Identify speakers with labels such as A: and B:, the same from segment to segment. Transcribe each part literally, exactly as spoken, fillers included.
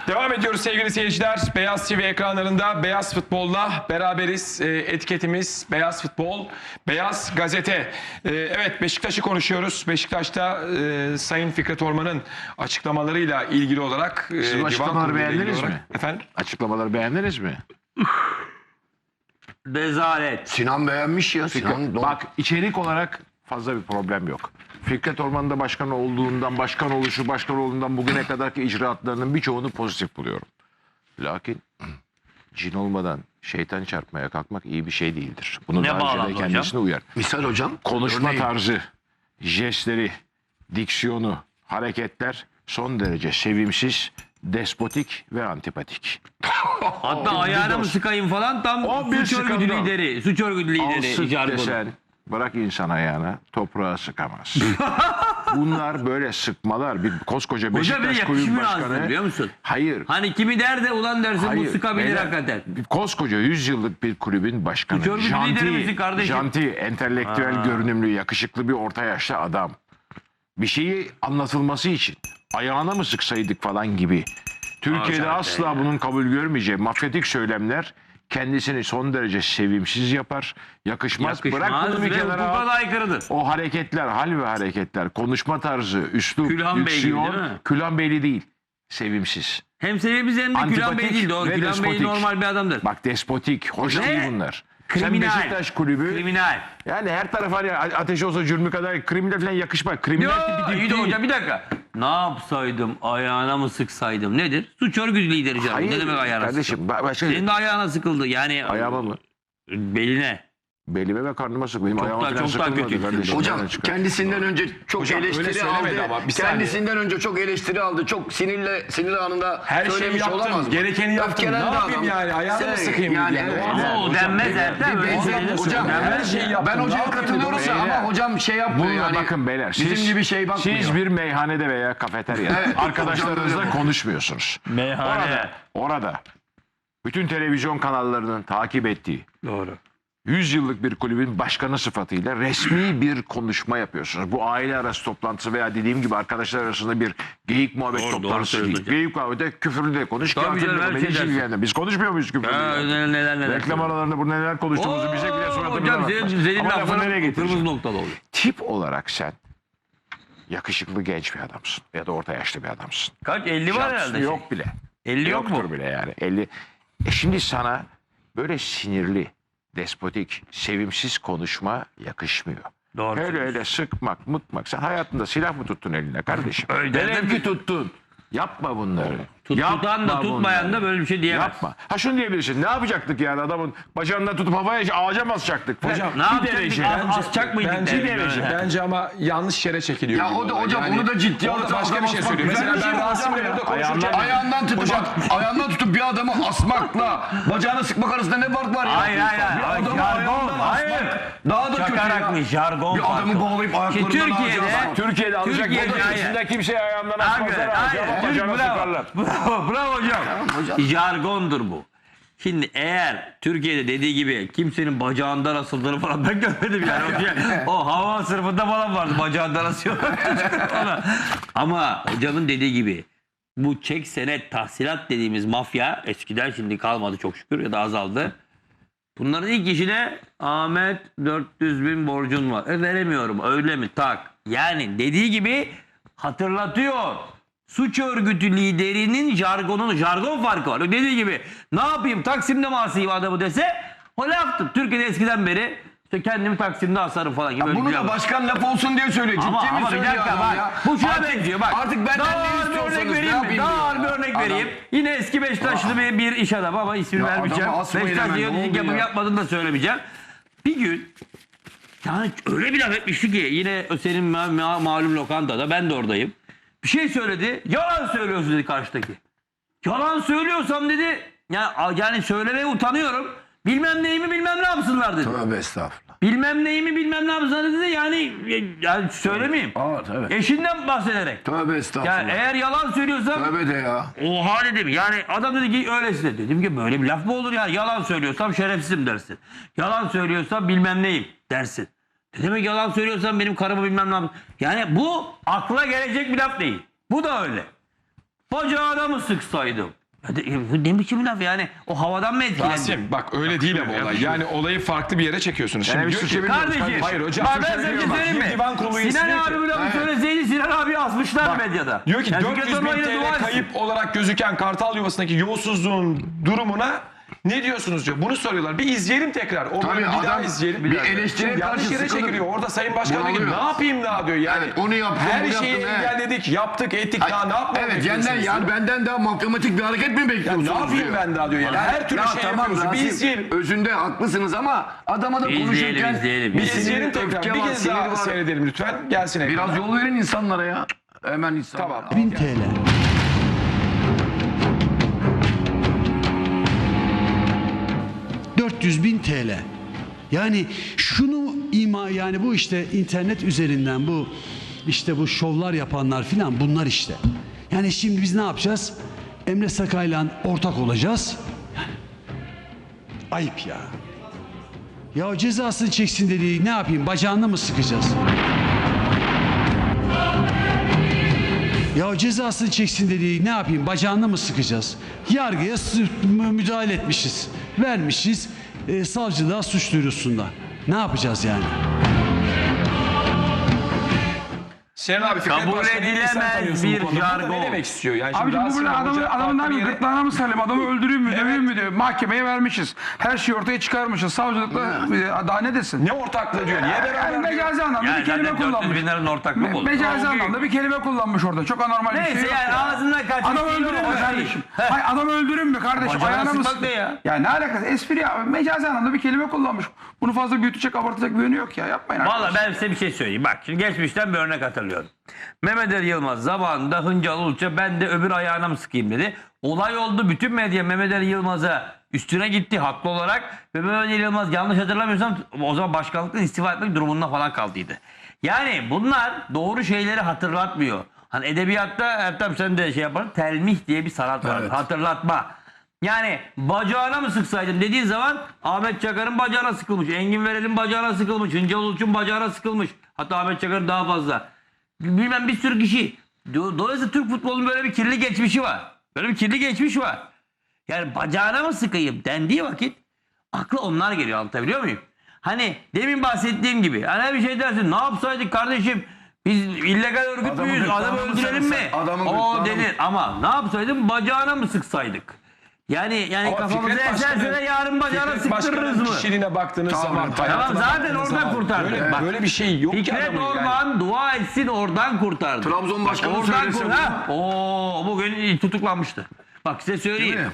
A: Devam ediyoruz sevgili seyirciler. Beyaz T V ekranlarında Beyaz Futbol'la beraberiz. E, etiketimiz Beyaz Futbol, Beyaz Gazete. E, evet, Beşiktaş'ı konuşuyoruz. Beşiktaş'ta e, Sayın Fikret Orman'ın açıklamalarıyla ilgili olarak... E,
B: Siz bu açıklamaları beğendiniz mi?
A: Efendim?
B: Açıklamaları beğendiniz mi?
C: Rezalet.
D: Sinan beğenmiş ya. Sinan,
B: Bak, içerik olarak fazla bir problem yok. Fikret Orman'da başkan olduğundan, başkan oluşu, başkan olduğundan bugüne kadarki icraatlarının birçoğunu pozitif buluyorum. Lakin cin olmadan şeytan çarpmaya kalkmak iyi bir şey değildir. Bunu
C: Ne
B: daha önce
C: bağlamda
B: de
C: hocam?
B: kendisine uyar.
D: misal hocam.
B: Konuşma
D: örneğin.
B: tarzı, jestleri, diksiyonu, hareketler son derece sevimsiz, despotik ve antipatik.
C: Hatta ayağına mı sıkayım falan tam
B: O bir
C: suç örgütü
B: skandal.
C: lideri. Suç örgütü
B: Al
C: lideri.
B: sık
C: jargonu.
B: desen bırak insan ayağına toprağa sıkamaz. Bunlar böyle sıkmalar. Bir koskoca
C: Hocam bir
B: Beşiktaş kulübü
C: yakışmıyor
B: başkanı.
C: aslında, biliyor musun?
B: Hayır.
C: Hani kimi der de ulan dersin bu
B: Hayır,
C: sıkabilir
B: beyler,
C: hakikaten.
B: bir koskoca yüz yıllık bir kulübün başkanı.
C: Suç örgütü lideri misin kardeşim?
B: janti, entelektüel
C: Ha.
B: görünümlü, yakışıklı bir orta yaşlı adam. Bir şeyi anlatılması için ayağına mı sıksaydık falan gibi. Türkiye'de
C: zaten
B: asla
C: ya.
B: bunun kabul görmeyeceği mafyatik söylemler kendisini son derece sevimsiz yapar. Yakışmaz. Bırak
C: Yakışmaz
B: bunu bir
C: ve
B: kenara
C: hukuka
B: al.
C: da aykırıdır.
B: O hareketler, hal ve hareketler, konuşma tarzı, üslup,
C: Külhan Beyli
B: diksiyon,
C: değil mi?
B: Külhan Beyli değil. Sevimsiz.
C: Hem sevimiz hem de Külhan
B: Antipatik
C: Bey değil. Doğru.
B: ve
C: Külhan Bey
B: despotik.
C: normal bir adamdır.
B: Bak, despotik, hoş
C: Ve
B: değil bunlar.
C: kriminal.
B: Sen Beşiktaş kulübü,
C: Kriminal.
B: yani her taraf hani ateş olsa cürmü kadar kriminal falan yakışmaz. Kriminal
C: Yo,
B: tipi
C: iyi
B: değil.
C: de hocam bir dakika. Ne yapsaydım, ayağına mı sıksaydım? Nedir? Suç örgütü lideri canım.
B: Hayır
C: Ne demek ayağına
B: kardeşim,
C: sıktım?
B: ba- başka
C: Senin de ayağına sıkıldı. Yani
B: ayağıma mı?
C: beline.
B: Belime ve karnıma sık. Benim
C: Çok
B: ayağıma
C: daha-
B: falan
C: çok daha
B: sıkılmadı
C: kötü.
B: kardeşim.
D: Hocam
B: Nereden çıkar?
D: kendisinden önce çok
A: Hocam öyle
D: eleştiri
A: söylemedi
D: aldı.
A: ama bir saniye.
D: Kendisinden önce çok eleştiri aldı. Çok sinirle sinir anında
A: Her şeyi
D: söylemiş
A: yaptım,
D: olamaz mı?
A: gerekeni yaptım.
D: Öfkelendi
A: Ne yapayım
D: adam.
A: yani? Ayağını mı sıkayım
D: yani,
A: yani?
D: evet.
C: Ama o denmez Ertem.
D: Bir
C: öyle
D: benzer-
C: söylenir.
D: hocam
A: Her şeyi yaptım.
D: ben
A: Ne
D: hocaya
A: yapayım
D: katılıyoruz
A: dedim.
D: ama hocam şey yapmıyor
B: Bununla
D: yani.
B: bakın beyler.
D: Bizim
B: Siz,
D: gibi şey bakmıyor.
B: siz bir meyhanede veya kafeteryada
D: Evet,
B: arkadaşlarınızla
D: hocam,
B: konuşmuyorsunuz.
C: Meyhane.
B: Orada, orada bütün televizyon kanallarının takip ettiği
C: Doğru.
B: yüz yıllık bir kulübün başkanı sıfatıyla resmi bir konuşma yapıyorsunuz. Bu aile arası toplantısı veya dediğim gibi arkadaşlar arasında bir geyik muhabbet
C: Doğru, doğru
B: toplantısı değil.
C: söylüyorsun.
B: Geyik muhabbete küfürlü de konuş.
C: Tabii
B: kağıtlı
C: canım,
B: da
C: her
B: konuş.
C: şey
B: Hiç
C: dersin.
B: ilgilenmez. Biz konuşmuyor muyuz küfürlü?
C: Ha,
B: yani?
C: neler neler neler.
B: Reklam aralarında burada neler konuştuğumuzu bize bile suratımıza
C: Hocam
B: bakmaz.
C: senin, senin
B: Ama lafı nereye
C: lafların kırmızı
B: getireceğim?
C: noktalı oluyor.
B: Tip olarak sen yakışıklı genç bir adamsın ya da orta yaşlı bir adamsın.
C: Kaç? elli var
B: Şansı
C: herhalde.
B: yok bile.
C: elli yok
B: Yoktur
C: mu?
B: bile yani. elli. E şimdi sana böyle sinirli, despotik, sevimsiz konuşma yakışmıyor.
C: Doğru.
B: Öyle öyle sıkmak, mıkmak. Sen hayatında silah mı tuttun eline kardeşim?
C: Öyle
B: Velev
C: dedim
B: ki tuttun. Yapma bunları.
C: Tut-
B: Yapma
C: tutan da tutmayan
B: bunları.
C: da böyle bir şey diyemez.
B: Yapma. Ha şunu diyebilirsin. Ne yapacaktık yani adamın bacağından tutup havaya ağaca mı asacaktık?
A: Hocam,
C: Ne
B: bir
C: yapacaktık?
B: derece.
C: As- asacak mıydık?
A: Bence,
C: derim
A: bence,
C: böyle.
A: bence ama yanlış yere çekiliyor.
D: Ya
A: gibi
D: o da
A: olay.
D: hocam
A: Yani
D: onu da ciddiye
A: orada
D: alıp
A: başka
D: adam
A: bir şey
D: asmak
A: söylüyor.
D: güzel
A: Mesela
D: bir şey
A: ben
D: hocam
A: Rasim'le
D: ya.
A: burada konuşurken...
D: Ayağından tutup ayağından tutup bir adamı asmakla bacağını sıkmak arasında ne fark var ya?
C: Hayır, hayır, hayır.
D: Bir adamı
C: Jargon,
D: ayağından
C: hayır.
D: asmak daha da kötü
C: Çakarakmış,
D: ya.
C: jargon
D: Bir adamı
C: farkı.
D: bağlayıp
C: Ki
D: ayaklarından
C: Türkiye'de-
D: ağaca asmak.
B: Türkiye'de alacak
C: Türkiye'de-
B: moda
C: hayır.
B: içinde kimseye ayağından
C: Hayır,
B: asmazlar
C: hayır.
B: ağaca ama
C: Türk-
B: bacağına
C: bravo.
B: sıkarlar.
C: Bravo, bravo hocam. Jargondur bu. Şimdi eğer Türkiye'de dediği gibi kimsenin bacağından asıldığını falan ben görmedim yani. O, o hava sınıfında falan vardı bacağından asıyorlar. Ama hocamın dediği gibi bu çek senet tahsilat dediğimiz mafya eskiden şimdi kalmadı çok şükür ya da azaldı. Bunların ilk işine Ahmet dört yüz bin borcun var. E veremiyorum öyle mi tak. Yani dediği gibi hatırlatıyor. Suç örgütü liderinin jargonun jargon farkı var. Dediği gibi ne yapayım Taksim'de mi asayım adamı dese o laftır. Türkiye'de eskiden beri işte kendimi Taksim'de asarım falan gibi.
D: Ya
C: böyle
D: bunu
C: bir
D: da
C: laf var.
D: başkan laf olsun diye söylüyor.
C: Ama,
D: Ciddi mi
C: ama bir
D: söylüyor
C: dakika
D: adam
C: bak.
D: ya?
C: Bu şuna
D: Artık-
C: benziyor bak.
D: Artık benden
C: daha
D: ne
C: ağır bir
D: istiyorsanız
C: örnek
D: ne
C: vereyim mi?
D: yapayım
C: Daha
D: diyor
C: ağır bir
D: ya.
C: örnek
D: Adam-
C: vereyim. Yine eski Beşiktaşlı bir, bir iş adamı ama ismini
D: Ya
C: vermeyeceğim.
D: adamı asmayın
C: Beşiktaş
D: hemen, ne
C: yönetici
D: oldu
C: yapıp
D: ya?
C: yapmadığını da söylemeyeceğim. Bir gün yani öyle bir laf etmişti ki yine senin ma- ma- malum lokantada ben de oradayım. Bir şey söyledi. Yalan söylüyorsun dedi karşıdaki. Yalan söylüyorsam dedi yani, yani söylemeye utanıyorum. Bilmem neyimi bilmem ne yapsınlar dedi.
D: Tövbe estağfurullah.
C: Bilmem neyimi bilmem ne yapsınlar dedi. Yani, yani söylemeyeyim.
D: Evet evet.
C: Eşinden bahsederek.
D: Tövbe estağfurullah.
C: Yani eğer yalan söylüyorsam
D: Tövbe de ya.
C: oha dedim. Yani adam dedi ki öylesine. Dedim ki böyle bir laf mı olur ya? Yalan söylüyorsam şerefsizim dersin. Yalan söylüyorsam bilmem neyim dersin. Ne demek yalan söylüyorsam benim karımı bilmem ne yapsın. Yani bu akla gelecek bir laf değil. Bu da öyle. Bacağına mı sıksaydım? Ya de- bu ne biçim laf yani? O havadan mı etkilendi?
A: Rasim bak öyle değil ama olay. Yani olayı farklı bir yere çekiyorsunuz. Şimdi
B: Yani
A: diyor
B: biz
A: ki,
C: Kardeşim.
A: hayır hocam.
C: Bak ben sana bir şey
A: Bak,
C: söyleyeyim
A: bir
C: mi?
A: divan kurulu üyesi
C: Sinan
A: diyor ki-
C: abi bu lafı söyleseydi Sinan abi asmışlar medyada.
A: Diyor ki
C: Yani
A: dört
C: Fikret
A: yüz bin
C: Orman'la dua
A: T L
C: etsin.
A: kayıp olarak gözüken Kartal Yuvası'ndaki yolsuzluğun durumuna ne diyorsunuz diyor. Bunu soruyorlar. Bir izleyelim tekrar. O
D: Tabii
A: bölümü bir daha
D: adam
A: izleyelim.
D: bir eleştiriye
A: Şimdi yanlış
D: karşı
A: yere
D: sıkılır.
A: çekiliyor. Orada Sayın Başkan diyor ki
D: Bunalıyor.
A: ne yapayım daha diyor. Yani
D: Evet, onu yaptım,
A: her
D: bunu
A: şeyi
D: yaptım, evet.
A: engelledik, yaptık, ettik. Daha ne yapmamı
D: Evet
A: bekliyorsunuz
D: senden
A: diyor.
D: yani benden daha matematik bir hareket mi
A: Ya
D: bekliyorsunuz
A: ne yapayım
D: diyor.
A: ben daha diyor. Yani her türlü
D: Ya
A: şey
D: tamam
A: yapıyoruz. Bir
D: Rasim,
A: izleyelim.
D: özünde haklısınız ama adama da
C: İzleyelim,
D: konuşurken
C: izleyelim.
A: Bir
C: Biz
A: izleyelim tekrar.
D: öfke
A: Bir
D: var,
A: kez
D: sinir
A: daha
D: var.
A: seyredelim lütfen. Gelsin ekrana.
D: Biraz yol verin insanlara ya. Hemen insanlara.
A: Tamam.
E: bin T L. dört yüz bin T L. Yani şunu ima yani bu işte internet üzerinden bu işte bu şovlar yapanlar filan bunlar işte. Yani şimdi biz ne yapacağız? Emre Sakay'la ortak olacağız. Yani, ayıp ya. Ya cezasını çeksin dediği ne yapayım? Bacağını mı sıkacağız? Ya cezasını çeksin dediği ne yapayım? Bacağını mı sıkacağız? Yargıya sı- mü- müdahale etmişiz. Vermişiz. E, savcılığa suç duyurusunda. Ne yapacağız yani?
A: Sinan abi Fikret
C: Kabul
A: Başkan'ı iyi sen
C: edilemez
A: tanıyorsun bu
C: bir
A: konuda. Burada
C: jargon.
A: Ne demek istiyor? Yani şimdi
F: Abicim bu
A: Rasim
F: böyle adamın,
A: Hoca
F: adamın
A: farklı
F: ne
A: bir
F: yapayım?
A: yere-
F: Gırtlağına mı sarayım? Adamı öldüreyim mi? Döveyim mi diyor. Mahkemeye vermişiz. Her şeyi ortaya çıkarmışız. Savcılıkla e, daha ne desin?
A: Ne ortaklığı diyor? Niye
F: Yani
A: beraber diyor?
F: mecazi anlamda
C: Yani
F: bir kelime
C: zaten dört yüz
F: kullanmış.
C: bin liranın ortaklık olur.
F: Mecazi
C: O büyük.
F: anlamda bir kelime kullanmış orada. Çok anormal bir
C: Neyse
F: şey yok.
C: yani ağzından kaçmış.
F: Adam
C: değil mi?
F: öldürün mü
C: O şey.
F: kardeşim?
C: Heh.
F: Hayır adam öldürün mü kardeşim?
C: Bacağına
F: Ayağına mı?
C: sıkmak ne ya?
F: Ya ne alakası? Espri ya. Mecazi anlamda bir kelime kullanmış. Bunu fazla büyütecek, abartacak bir yönü yok ya. Yapmayın
C: Valla
F: arkadaşlar.
C: ben size bir şey söyleyeyim. Bak şimdi geçmişten bir örnek hatırlıyorum. Mehmet Ali Yılmaz zamanında Hıncal Uluç'a ben de öbür ayağına mı sıkayım dedi. Olay oldu. Bütün medya Mehmet Ali Yılmaz'a üstüne gitti haklı olarak. Ve Mehmet Ali Yılmaz yanlış hatırlamıyorsam o zaman başkanlıktan istifa etmek durumunda falan kaldıydı. Yani bunlar doğru şeyleri hatırlatmıyor. Hani edebiyatta Ertem sen de şey yaparsın. Telmih diye bir sanat var.
D: Evet.
C: Hatırlatma. Yani bacağına mı sıksaydım dediğin zaman Ahmet Çakar'ın bacağına sıkılmış. Engin Verel'in bacağına sıkılmış. Hıncal Uluç'un bacağına sıkılmış. Hatta Ahmet Çakar'ın daha fazla. Bilmem bir sürü kişi. Do- Dolayısıyla Türk futbolunun böyle bir kirli geçmişi var. Böyle bir kirli geçmiş var. Yani bacağına mı sıkayım dendiği vakit aklı onlar geliyor, anlatabiliyor muyum? Hani demin bahsettiğim gibi hani bir şey dersin ne yapsaydık kardeşim biz illegal örgüt
D: Adamın
C: müyüz adamı
D: gırtlağına mı
C: öldürelim mi?
D: sarılsak, adamın
C: O
D: gırtlağına mı-
C: denir ama ne yapsaydım bacağına mı sıksaydık? Yani yani
A: Ama
C: kafamıza
A: Fikret
C: eserse
A: Başkan'ın-
C: de yarın bacağına
A: Fikret
C: sıktırırız
A: Başkan'ın
C: mı?
A: kişiliğine baktığınız zaman.
C: Tamam
A: hayatına
C: zaten
A: baktığınız
C: oradan
A: zaman
C: kurtardı.
A: Böyle,
C: Bak,
A: böyle bir şey yok ki
C: Fikret
A: adamın yani.
C: Orman dua etsin oradan kurtardı.
D: Trabzon başkanı
C: Oradan
D: söylese
C: kur- ha, Oo, bugün tutuklanmıştı. Bak size söyleyeyim.
D: Değil mi?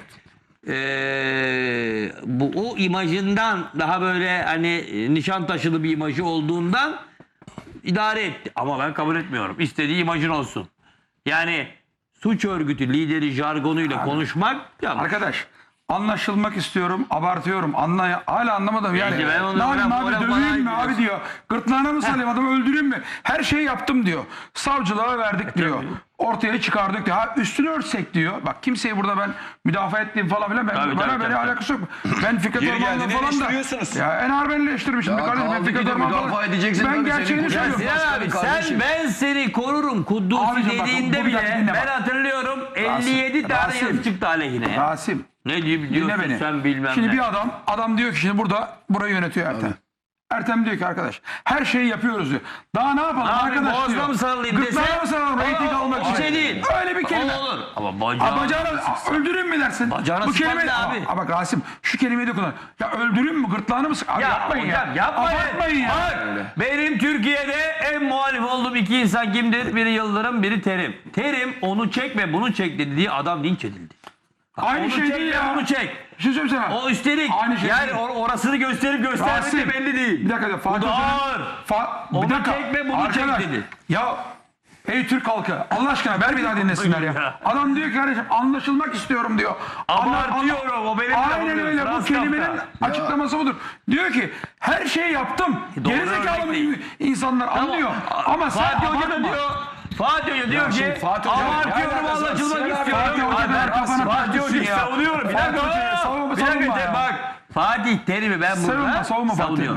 C: Ee, bu o imajından daha böyle hani e, nişan taşılı bir imajı olduğundan idare etti. Ama ben kabul etmiyorum. İstediği imajın olsun. Yani suç örgütü lideri jargonuyla konuşmak yanlış.
F: Arkadaş anlaşılmak istiyorum, abartıyorum. Anla, hala anlamadım yani.
C: Neyse, ben onu-
F: Ne yapayım
C: ona-
F: abi
C: ona-
F: döveyim mi
C: bana
F: abi diyor. Gırtlağına mı salayım adamı öldüreyim mi? Her şeyi yaptım diyor. Savcılığa verdik diyor. Ortaya çıkardık diyor. Ha üstünü örtsek diyor. Bak kimseyi burada ben müdafaa ettiğim falan filan. Ben,
C: Tabii,
F: bana
C: tabii,
F: böyle
C: tabii.
F: alakası yok. Ben Fikret
A: Yeri
F: Orman'la
A: geldiğinde
F: falan da.
A: eleştiriyorsunuz.
F: Ya en ağır ben eleştirmişim.
D: Ya
F: Kardeşim, ben
D: kaldı
F: Fikret
D: ki de
F: Orman
D: müdafaa
F: falan-
D: edeceksin
F: Ben
D: tabii,
F: gerçeğini
D: senin
C: Ya
F: söylüyorum.
C: Sinan abi sen
D: kardeşim.
C: ben seni korurum Kuddusi
F: Abicim bak,
C: dediğinde
F: bu bir dakika
C: bile
F: dinle
C: ben
F: bak.
C: hatırlıyorum elli yedi tane
F: Rasim.
C: yazı çıktı aleyhine ya.
F: Rasim.
C: Ne diyor
F: Dinle
C: diyorsun
F: beni.
C: sen bilmem
F: Şimdi
C: ne.
F: bir adam, adam diyor ki şimdi burada burayı yönetiyor Ertem. Ertem diyor ki arkadaş her şeyi yapıyoruz diyor. Daha ne yapalım
C: Ne yapayım,
F: arkadaş
C: boğazına
F: diyor.
C: mı sarılayım
F: Gırtlağına
C: dese?
F: mı sarılalım reyting
C: O-
F: almak
C: o
F: için?
C: şey değil.
F: Öyle bir kelime.
C: O olur. Ama
F: A,
C: bacağına,
F: bacağına a, öldürün mü dersin?
C: Bacağına
F: Bu
C: sıkmak
F: kelime
C: ne abi?
F: Aa, bak Rasim şu kelimeyi de kullan. Ya öldürün mü gırtlağını mı sık? Abi
C: Ya
F: yapmayın
C: hocam,
F: ya.
C: yapmayın.
F: Abartmayın ya.
C: Bak, benim Türkiye'de en muhalif olduğum iki insan kimdir? Biri Yıldırım, biri Terim. Terim onu çek ve bunu çek dediği adam linç edildi. Bak,
F: Aynı
C: onu
F: şey
C: çek
F: değil
C: ve
F: ya.
C: bunu çek.
F: Bir şey söyleyeyim sana.
C: O üstelik
F: Aynı şey
C: yani
F: değil.
C: or- orasını gösterip göstermediği
F: Rasim,
C: belli değil.
F: Bir dakika da Fatih
C: Bu da
F: Hoca'nın-
C: ağır.
F: Fa
C: Onu
F: bir dakika.
C: çek ve bunu çek
F: Arkadaş,
C: dedi.
F: Ya ey Türk halkı Allah aşkına ver bir daha dinlesinler ya.
C: Ya.
F: Adam diyor ki kardeşim anlaşılmak istiyorum diyor. Anla-
C: Abartıyorum, o benim
F: Aynen
C: lafım
F: öyle
C: diyor,
F: bu
C: Frans
F: kelimenin
C: Kafka.
F: açıklaması budur. Diyor ki her şeyi yaptım.
C: Doğru
F: Gerizekalı
C: örnek değil.
F: mı insanlar anlıyor. Ama sen
C: Fatih Hoca da
F: abartma.
C: diyor. Fatih Hoca diyor
A: şimdi
C: ki
A: Fatih Hoca-
C: abartıyorum
A: Ya, ya,
C: anlaşılmak
A: Sinan abi,
C: istiyorum.
F: Fatih Hoca
C: Ay,
F: da
C: ben
F: kafana
C: Fatih
F: takmışsın
C: Hoca'yı
F: ya.
C: savunuyorum. Bir
F: Fatih
C: dakika.
F: Hoca'yı savunma,
C: Bir dakika
F: savunma
C: de
F: ya.
C: bak. Fatih Terim'i ben burada
F: Savunma, savunma Fatih
C: savunuyorum.
F: Terim'i.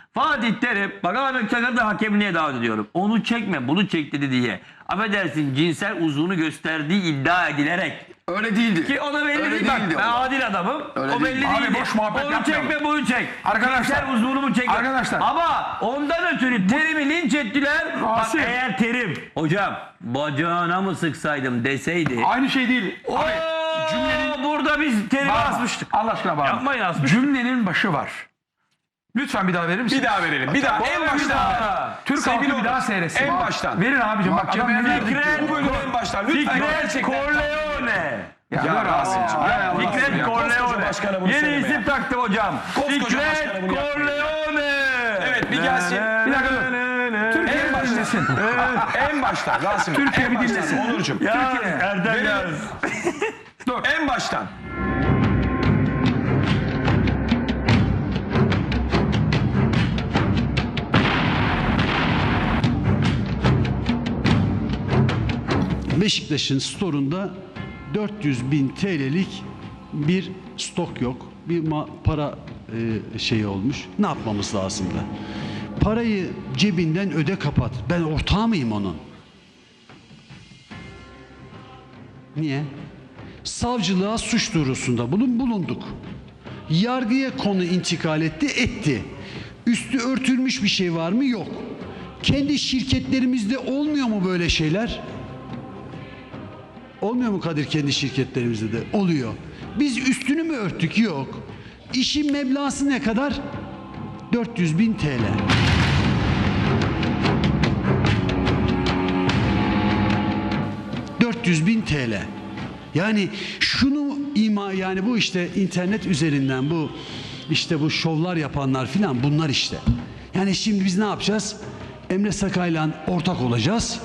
C: Fatih Terim, bak Ahmet Çakar'ı da hakemliğe davet ediyorum. Onu çekme, bunu çek dedi diye. Affedersin, cinsel uzvunu gösterdiği iddia edilerek.
D: Öyle değildi.
C: Ki o da belli
D: Öyle
C: değil. Bak
D: değildi
C: ben
D: o.
C: adil adamım.
D: Öyle
C: o belli
D: değil.
C: değil.
F: Abi boş muhabbet
C: Onu
F: yapmayalım.
C: çekme, bunu çek.
F: Arkadaşlar.
C: Cinsel uzvunu çek.
F: Arkadaşlar.
C: Ama ondan ötürü Terim'i linç ettiler. Bak
F: Rasim.
C: eğer Terim, hocam bacağına mı sıksaydım deseydi.
F: Aynı şey değil.
C: Oo,
F: Abi cümlenin...
C: burada biz Terim'i
F: Bağırma.
C: asmıştık.
F: Allah aşkına bağırma.
C: Yapmayın, asmıştık.
F: Cümlenin başı var. Lütfen bir daha verir misin?
A: Bir daha verelim. Bir daha en
C: Bir
A: baştan.
C: daha.
F: Türk
A: Sevgili
F: halkı bir daha
A: Onur,
F: seyretsin.
A: en baştan.
F: Verin abicim bak adam
D: Mahkemeye
F: ne
D: verdik
F: diyor?
C: Fikret,
A: Bu bölüm en baştan. Lütfen
C: Fikret
A: gerçekten.
C: Corleone.
F: Ya,
A: Ya
F: dur
A: Rasim'cim,
F: abi.
A: ya
F: Ya,
A: Allah
C: Fikret
A: ya. Koskoca
C: Corleone.
A: başkana bunu
C: Yeni
A: söyleme
C: isim
A: ya.
C: taktım hocam.
A: Koskoca
C: Fikret
A: başkana bunu yapmayın ya.
C: Corleone.
A: Evet, bir gelsin.
F: Bir dakika dur. Türkiye
A: En
F: bir
A: baştan.
F: dinlesin.
A: En baştan Rasim.
F: Türkiye
A: en
F: bir
A: baştan.
F: dinlesin.
A: Onurcuğum.
C: Ya
F: Türkiye.
C: Erdem
A: Verin.
C: Yaz.
F: Dur.
A: En baştan.
E: Beşiktaş'ın storunda dört yüz bin T L'lik bir stok yok. Bir ma- para e, şeyi olmuş. Ne yapmamız lazım da? Parayı cebinden öde kapat. Ben ortağı mıyım onun? Niye? Savcılığa suç duyurusunda bulun bulunduk. Yargıya konu intikal etti, etti. Üstü örtülmüş bir şey var mı? Yok. Kendi şirketlerimizde olmuyor mu böyle şeyler? Olmuyor mu Kadir kendi şirketlerimizde de? Oluyor. Biz üstünü mü örttük? Yok. İşin meblağısı ne kadar? dört yüz bin T L. dört yüz bin T L. Yani şunu ima yani bu işte internet üzerinden bu işte bu şovlar yapanlar filan bunlar işte. Yani şimdi biz ne yapacağız? Emre Sakay'la ortak olacağız.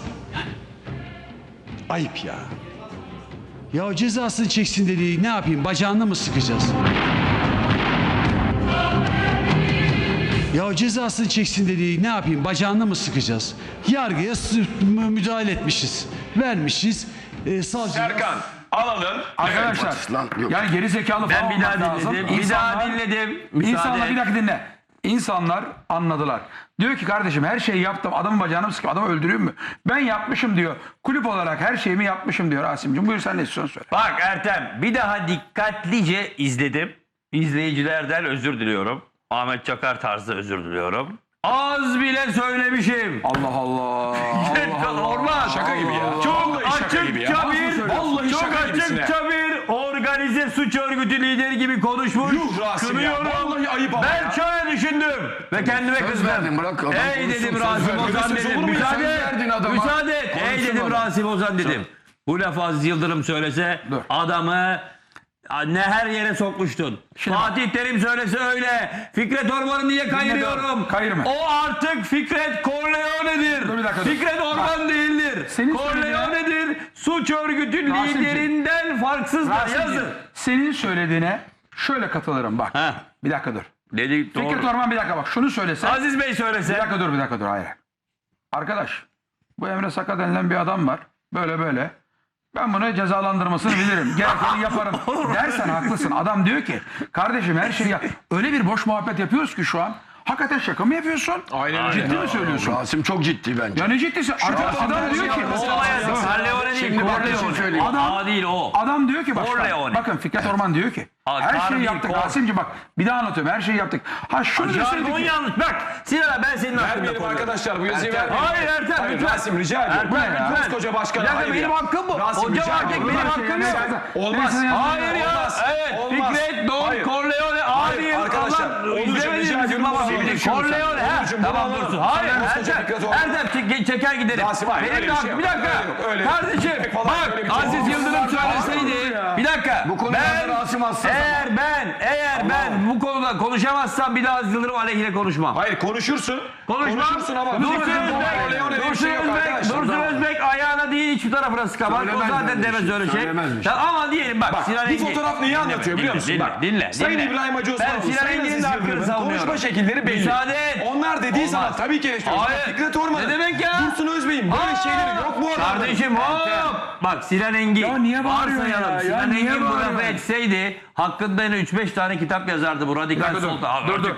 E: Ayıp ya. Ya cezasını çeksin dediği ne yapayım? Bacağını mı sıkacağız? Ya cezasını çeksin dediği ne yapayım? Bacağını mı sıkacağız? Yargıya sı- mü- müdahale etmişiz. Vermişiz. E, savcı
A: Serkan alalım.
F: Arkadaşlar
D: Lan, yok.
F: yani geri zekalı falan
C: Ben bir daha
F: olmak lazım.
C: dinledim. Bir daha
F: İnsanlar-
C: dinledim. Müsaade
F: İnsanlar
C: et.
F: bir dakika dinle. İnsanlar anladılar. Diyor ki kardeşim her şeyi yaptım. Adamın bacağını mı sıkayım? Adamı öldüreyim mi? Ben yapmışım diyor. Kulüp olarak her şeyimi yapmışım diyor Rasim'cim. Buyur sen ne istiyorsun söyle.
C: Bak Ertem bir daha dikkatlice izledim. İzleyicilerden özür diliyorum. Ahmet Çakar tarzı özür diliyorum. Az bile söylemişim.
F: Allah Allah. Allah Allah.
C: Olmaz.
A: Şaka gibi ya.
C: Çok
A: Vallahi şaka gibi ya.
C: açıkça
A: Nasıl
C: bir,
A: söylüyorsun? Vallahi
C: çok
A: şaka gibisin
C: açıkça bir organize suç örgütü lideri gibi konuşmuş.
A: Yuh Rasim ya.
C: Kınıyorum.
A: Vallahi ayıp ama
C: Ben
A: ya.
C: şöyle düşündüm ve kendime
D: Söz
C: kızdım.
D: verdin, bırak adam
C: Ey
D: konuşsun,
C: dedim
D: söz
C: Rasim
D: verdin.
C: Ozan
A: Söz
C: dedim.
A: olur mu ya?
C: Müsaade
D: Söz verdin
C: et.
D: adama.
C: Müsaade et. Ey
D: Konuşsun
C: dedim
D: adam.
C: Rasim Ozan dedim. Bu lafı Aziz Yıldırım söylese
F: Dur.
C: adamı ne her yere sokmuştun.
F: Şimdi
C: Fatih Terim söylese öyle. Fikret Orman'ı niye kayırıyorum?
F: Kayırma.
C: O artık Fikret Corleone'dir.
F: Dur bir dakika, dur.
C: Fikret Orman değildir.
F: Senin
C: Corleone'dir. Suç örgütü
F: Rasimciğim.
C: liderinden farksızdır.
F: Rasim'ciğim,
C: Yazın.
F: senin söylediğine şöyle katılırım bak.
C: Heh.
F: Bir dakika dur.
C: Dedik
F: Fikret
C: doğru.
F: Orman bir dakika bak şunu söylese.
C: Aziz Bey
F: Bir
C: söylese.
F: dakika dur bir dakika dur hayır. Arkadaş bu Emre Saka denilen bir adam var. Böyle böyle. Ben bunu cezalandırmasını bilirim. Gerekeni yaparım dersen haklısın. Adam diyor ki kardeşim her şeyi yap. Öyle bir boş muhabbet yapıyoruz ki şu an. Hakikaten şaka mı yapıyorsun?
A: Aynen öyle.
F: Ciddi mi söylüyorsun?
D: Rasim çok ciddi bence.
F: Ya ne ciddisi? Adam, adam diyor ki.
C: O olaya Corleone değil.
D: Şimdi bak bir şey
C: Corleone.
D: söyleyeyim.
C: Adam, o değil o.
F: Adam diyor ki başkan,
C: Corleone.
F: bakın Fikret Orman diyor ki
C: Ha,
F: her
C: kar
F: şeyi
C: değil,
F: yaptık
C: kor.
F: Rasim'ciğim bak bir daha anlatıyorum her şeyi yaptık. Ha şunu deseydik
C: Jargon
F: ki
C: yanlış. Bak Sinan abi ben senin hakkında
A: Vermeyelim
C: konuşuyorum.
A: arkadaşlar bu yazıyı vermeyelim.
C: Hayır Ertem
A: Hayır,
C: lütfen.
A: Rasim rica ediyorum.
C: Ertem
F: ya?
C: lütfen.
A: Koskoca başkan,
C: Bir dakika,
A: hayır
C: benim
A: ya.
C: hakkım bu.
A: Rasim,
C: Hocam
A: rica
C: artık
A: ediyorum.
C: benim
F: Bunlar
C: hakkım
F: şey-
C: yok.
A: Olmaz.
F: Neyse,
C: Hayır ya.
A: Olmaz.
C: Evet.
A: Olmaz.
C: Fikret Don
A: Hayır.
C: Corleone
A: Hayır,
C: adil.
A: arkadaşlar,
C: Allah
A: Onurcuğum,
C: izlemediniz
A: rica
C: mi
A: ediyorum,
C: baba?
A: bunu alalım.
C: Corleone ha.
A: Onurcuğum, bunu
C: Tamam
A: alalım.
C: dursun. Hayır
A: Sen koskoca
C: Ertem.
A: Fikret Orman.
C: Erdem çek- çeker giderim.
A: Rasim, hayır,
C: Benim
A: öyle
C: de
A: bir
C: hakkım-
A: şey
C: bir
A: yok.
C: dakika.
A: Öyle yok, öyle.
C: Kardeşim
A: Çek falan,
C: bak
A: öyle bir şey
C: Aziz
A: yok.
C: Yıldırım söyleseydi.
A: Ya.
C: Bir dakika.
D: Bu konuda
C: Ben
D: Rasim hassas
C: eğer ben eğer ben bu konuda konuşamazsam bir daha Aziz Yıldırım aleyhine konuşmam.
A: Hayır konuşursun.
C: Konuşmam.
A: Konuşursun ama.
C: Dursun
A: Fikret Orman,
C: Özbek,
A: Corleone diye bir
C: Dursun
A: şey yok
C: Özbek,
A: arkadaşlar.
C: Dursun Özbek ayağına değil hiçbir tarafına sıkamaz. O
D: Söylemez
C: zaten
D: böyle
C: demez
D: bir şey,
C: öyle şey.
D: söylemezmiş.
C: Ya ama diyelim bak,
A: Bak
C: Sinan
A: bu
C: Engin.
A: fotoğraf neyi anlatıyor biliyor musun?
C: Dinle,
A: Bak,
C: dinle,
A: Sayın
C: dinle.
A: İbrahim Hacı
C: Ben
A: Osmanoğlu,
C: Sinan
A: Sayın
C: Engin'in
A: Aziz
C: de hakkını
A: Yıldırım'ın
C: savunuyorum.
A: konuşma şekilleri belli.
C: Müsaade et.
A: Onlar dediği
C: Olmaz.
A: zaman tabii ki eleştiriyoruz.
C: Hayır.
A: Ama Fikret Orman'ın,
C: Ne demek ya?
A: Dursun Özbey'in böyle
C: Aa,
A: şeyleri yok bu arada.
C: Kardeşim hop. Bak Sinan Engin.
F: Ya niye bağırıyorsun
C: varsayalım,
F: ya? Ya
C: Sinan
F: niye
C: Engin bu lafı
F: bağırıyorsun?
C: etseydi hakkında yine üç beş tane kitap yazardı bu radikal
F: Dur, dur,
C: sol.
F: dur, dur.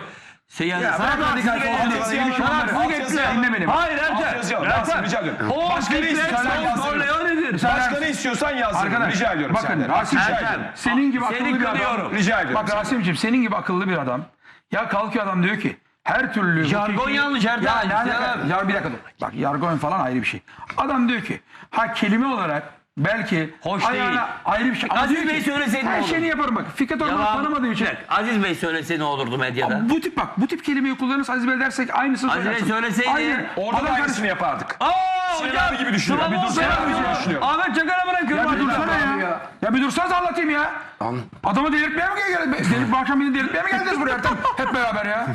C: Seyir,
F: Ya
C: sana
F: bırak
C: da
F: radikal
C: haksızlık
F: sol
C: ediyor.
F: dediğim
C: Sana
F: bunları.
C: haksızlık
F: Alt
C: ediyor.
F: yazı dinle beni.
C: Hayır
A: Alt
C: Ertem.
A: yazı yok. Rasim, rica ediyorum.
C: O
A: Başka ne
C: fikret
A: istiyorsan
C: sol
A: yazdırın.
C: Corleone'dir.
A: Başka ne istiyorsan yazdırın.
F: Arkadaş,
A: Rica ediyorum
F: bakın,
A: senden.
F: Rasim
A: Rica
C: Ertem,
A: ediyorum.
F: Senin gibi
C: Seni
F: akıllı bir adam.
C: kınıyorum.
A: Rica ediyorum.
F: Bak Rasim'ciğim senin gibi akıllı bir adam. Ya kalkıyor adam diyor ki her türlü...
C: Jargon yanlış Ertem.
F: Ya, ne
C: Ya.
F: alaka? Ya bir dakika dur. Bak jargon falan ayrı bir şey. Adam diyor ki ha kelime olarak belki
C: Hoş
F: ayağına
C: değil.
F: ayrı bir şey. Ama
C: Aziz
F: diyor
C: Bey
F: ki,
C: söyleseydi ne
F: her
C: olur?
F: şeyini yaparım bak. Fikret Orman'ı
C: Yalan.
F: tanımadığı için.
C: Bir dakika, Aziz Bey söylese ne olurdu medyada?
F: Bu tip bak bu tip kelimeyi kullanırsa Aziz Bey dersek aynısını
C: Aziz Bey
F: söylersin.
C: söyleseydi-
F: Aynen.
A: Orada da
F: Adam
A: aynısını yapardık.
C: Aa
A: Sinan
C: hocam.
A: abi gibi düşünüyorum.
C: Sıvı
A: Bir dur,
C: olsa
A: Sinan abi gibi
C: yapıyor.
A: düşünüyorum.
C: Ahmet Çakar'a bırakıyorum.
F: Ya bir
C: hadi
F: dursana
C: bakalım.
F: ya. Ya bir dursanız anlatayım ya. Adamı delirtmeye mi geldiniz? Delirip bu akşam beni delirtmeye mi geldiniz buraya Ertem? Hep beraber ya.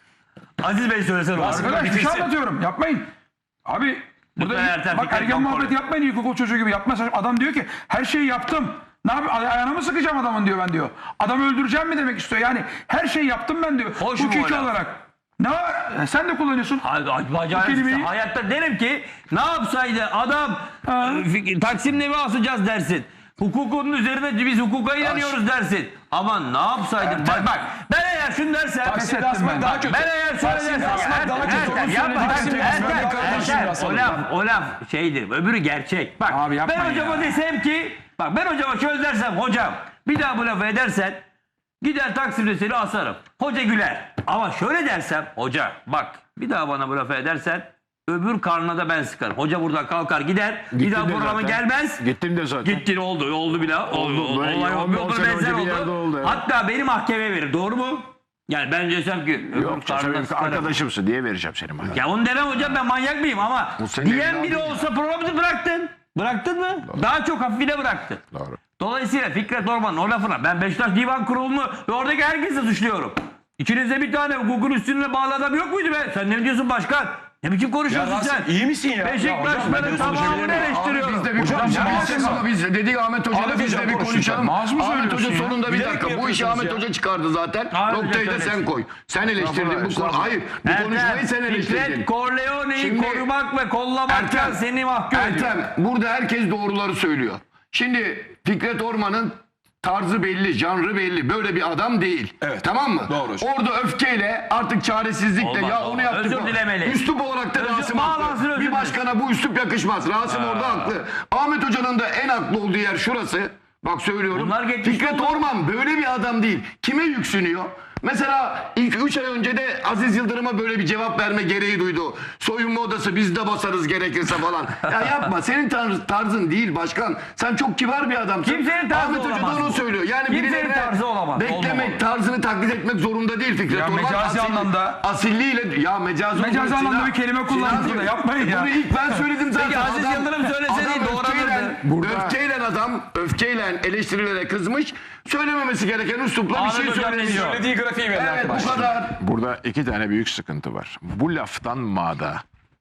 C: Aziz Bey söylese ne olur?
F: Arkadaş bir şey
A: bitirsin.
F: anlatıyorum. Yapmayın. Abi burada
C: Lütfen Ertem,
F: bak
C: Fikret
F: ergen
C: kontrol
F: muhabbeti
C: et.
F: yapmayın ilkokul çocuğu gibi yapma. Adam diyor ki her şeyi yaptım. Ne yapayım? Ay- Ayağına mı sıkacağım adamın diyor ben diyor. Adamı öldüreceğim mi demek istiyor. Yani her şeyi yaptım ben diyor.
C: Hoş mu
F: Hukuki
C: o laf?
F: olarak. Ne var? E, sen de kullanıyorsun.
C: Hayır, bacağı
F: Bu kelimeyi-
C: sıksa. Hayatta derim ki ne yapsaydı adam
F: Ha.
C: e, fik- Taksim'de mi asacağız dersin. Hukukunun üzerine biz hukuka inanıyoruz dersin. Ama ne yapsaydım? Bak bak ben eğer şunu dersem.
A: Taksim'de
F: ettim
A: asmak
F: ben.
A: daha kötü.
C: Ben eğer şöyle
A: Taksim'de
C: dersem.
A: asmak daha kötü.
C: Ertem,
A: Onu
C: yapma.
A: söyledik.
C: Ertem,
A: Taksim'de asmak
C: Ertem,
A: daha kötü.
C: Ertem,
A: Asalım.
C: o laf, o laf şeydir. Öbürü gerçek. Bak
F: Abi yapmayın
C: ben hocama
F: ya.
C: desem ki bak ben hocama şöyle dersem hocam bir daha bu lafı edersen gider Taksim'de seni asarım. Hoca güler. Ama şöyle dersem hoca bak bir daha bana bu lafı edersen öbür karnına da ben sıkarım. Hoca buradan kalkar gider. bir daha
B: de
C: programa
B: zaten.
C: gelmez.
B: Gittim de zaten.
C: Gittin oldu. Oldu bile. Oldu.
B: Oldu. Böyle
C: Olay
B: on-
C: oldu.
B: on
C: Oldu.
B: sene
C: Benzer
B: önce bir yerde
C: oldu.
B: oldu, evet.
C: Hatta beni mahkemeye verir. Doğru mu? Yani ben desem ki öbür
B: Yok
C: karnına
B: canım,
C: sıkarım.
B: arkadaşımsın diye vereceğim senin bana.
C: Ya onu demem hocam ben manyak mıyım ama
B: Bu senin
C: diyen
B: evladın
C: biri
B: ya.
C: olsa programı bıraktın. Bıraktın mı? Daha çok hafifine bıraktın.
B: Doğru.
C: Dolayısıyla Fikret Orman'ın o lafına ben Beşiktaş Divan Kurulu'nu ve oradaki herkesi suçluyorum. İçinizde bir tane hukukun üstüne bağlı adam yok muydu be? Sen ne diyorsun başkan? Ne biçim
A: Ya
C: konuşuyorsun
A: Rasim
C: sen?
A: iyi misin ya? Ya hocam, ben
C: Beşiktaşların
A: de konuşabilir
C: tamamını
A: miyim?
C: eleştiriyorum.
D: Biz de bir
A: Hocam,
D: konuşalım.
A: ya,
D: Biz de- Biz dedik Ahmet Hoca'yla
A: Ahmet
D: biz de
A: Hocam
D: bir
A: konuşacak.
D: konuşalım.
F: Naz mı
D: Ahmet Hoca
F: söylüyorsun ya?
D: sonunda bir
A: Bilerek
D: dakika.
A: mi
D: Bu işi
A: yapıyorsunuz
D: Ahmet
A: ya?
D: Hoca çıkardı zaten.
C: Ahmet Hoca
D: Noktayı da
C: söylesin.
D: sen koy. Sen eleştirdin bu
B: Estağfurullah,
D: konu. Hayır. Bu konuşmayı sen eleştirdin.
C: Fikret Corleone'yi
D: Şimdi-
C: korumak ve kollamaktan
D: Ertem,
C: seni mahkum ediyor.
D: Ertem, burada herkes doğruları söylüyor. Şimdi Fikret Orman'ın tarzı belli, janrı belli. Böyle bir adam değil.
A: Evet.
D: Tamam mı?
A: Doğru hocam.
D: Orada öfkeyle, artık çaresizlikle
C: Olmaz,
D: ya onu
C: olmaz.
D: yaptık.
C: Özür
D: o-
C: dilemeli.
D: Üslup olarak da
C: Özür-
D: Rasim
C: bağlansın,
D: haklı.
C: özür
D: Bir
C: dilerim.
D: başkana bu üslup yakışmaz. Rasim orada haklı. Ahmet Hoca'nın da en haklı olduğu yer şurası. Bak söylüyorum.
C: Bunlar geçmiş
D: Fikret
C: oldu.
D: Orman böyle bir adam değil. Kime yüksünüyor? Mesela ilk üç ay önce de Aziz Yıldırım'a böyle bir cevap verme gereği duydu. Soyunma odası biz de basarız gerekirse falan. Ya yapma, senin tarz- tarzın değil başkan. Sen çok kibar bir adamsın.
C: Kimsenin tarzı
D: Ahmet Hoca
C: olamaz
D: da onu
C: bu.
D: söylüyor. Yani
C: Kimsenin
D: birilerine
C: tarzı olamaz,
D: beklemek,
C: olmamalı.
D: tarzını taklit etmek zorunda değil Fikret
F: Ya
D: Orman.
F: mecazi anlamda-
D: Asilliğiyle, ya mecazi
F: Mecazi
D: olarak
F: anlamda
D: Sinan-
F: bir kelime kullandınız
D: Sinancığım,
F: burada, yapmayın ya.
D: Bunu ilk ben söyledim zaten.
C: Peki Aziz Yıldırım söyleseydi doğranırdı.
D: öfkeyle, öfkeyle adam, öfkeyle eleştirilere kızmış. Söylememesi gereken üslupla bir
C: Ahmet
D: şey
C: Hocam ne
D: söylemiş.
C: diyor?
A: Söylediği grafiği verin
D: Evet,
A: arkadaşlar.
D: bu kadar.
B: Burada iki tane büyük sıkıntı var. Bu laftan mağda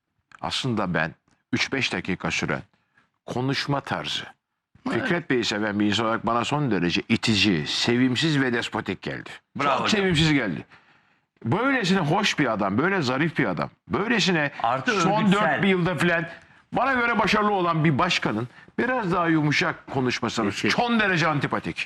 B: aslında ben üç beş dakika süren konuşma tarzı. Fikret Bey'i seven bir insan olarak bana son derece itici, sevimsiz ve despotik geldi.
C: Bravo
B: Çok
C: hocam.
B: sevimsiz geldi. Böylesine hoş bir adam, böyle zarif bir adam, böylesine
C: Artı
B: son
C: örgütsel.
B: dört bir yılda filan bana göre başarılı olan bir başkanın biraz daha yumuşak konuşması
C: Kesin.
B: son derece antipatik.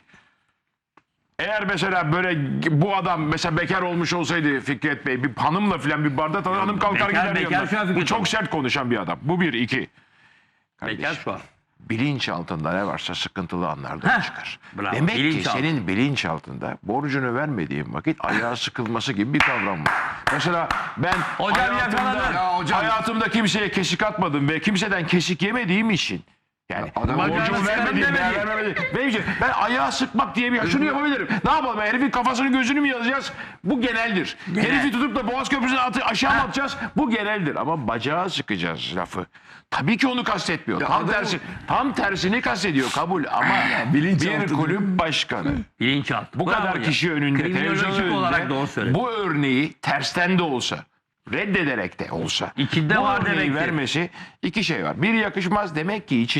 B: Eğer mesela böyle bu adam mesela bekar olmuş olsaydı Fikret Bey bir hanımla filan bir barda tanır hanım kalkar
C: bekar-
B: gider
C: bekar
B: yanına.
C: şu an Fikret
B: Bu çok
C: Bey.
B: sert konuşan bir adam. Bu bir, iki.
C: Bekar
B: Kardeşim,
C: şu an.
B: bilinç altında ne varsa sıkıntılı anlarda
C: Heh,
B: çıkar.
C: bravo,
B: Demek ki
C: bilinç altı.
B: senin bilinç altında borcunu vermediğin vakit ayağı sıkılması gibi bir kavram var. Mesela ben
C: Hocam
B: hayatımda,
C: yakaladın.
D: Ya hocam-
B: hayatımda kimseye kesik atmadım ve kimseden kesik yemediğim için yani
D: adam
B: borcumu
C: hocam
B: vermediğim,
C: sıkarım
B: değer vermediğim. Benim için ben ayağı sıkmak diye bir şunu yapabilirim. Ne yapalım? Herifin kafasını gözünü mü yazacağız? Bu geneldir. Herifi tutup da Boğaz Köprüsü'ne atı, aşağı mı atacağız? Bu geneldir. Ama bacağı sıkacağız lafı. Tabii ki onu kastetmiyor. Tam
D: adam-
B: tersi, tam tersini kastediyor kabul ama bir kulüp başkanı
C: Bilinçaltı.
B: bu
C: Bravo
B: kadar
C: hocam.
B: kişi önünde televizyon
C: Kriminolojik olarak doğru
B: önünde
C: söyledi.
B: bu örneği tersten de olsa reddederek de olsa
C: İçinde
B: bu
C: var
B: örneği
C: demektir.
B: vermesi iki şey var. Bir yakışmaz demek ki içinde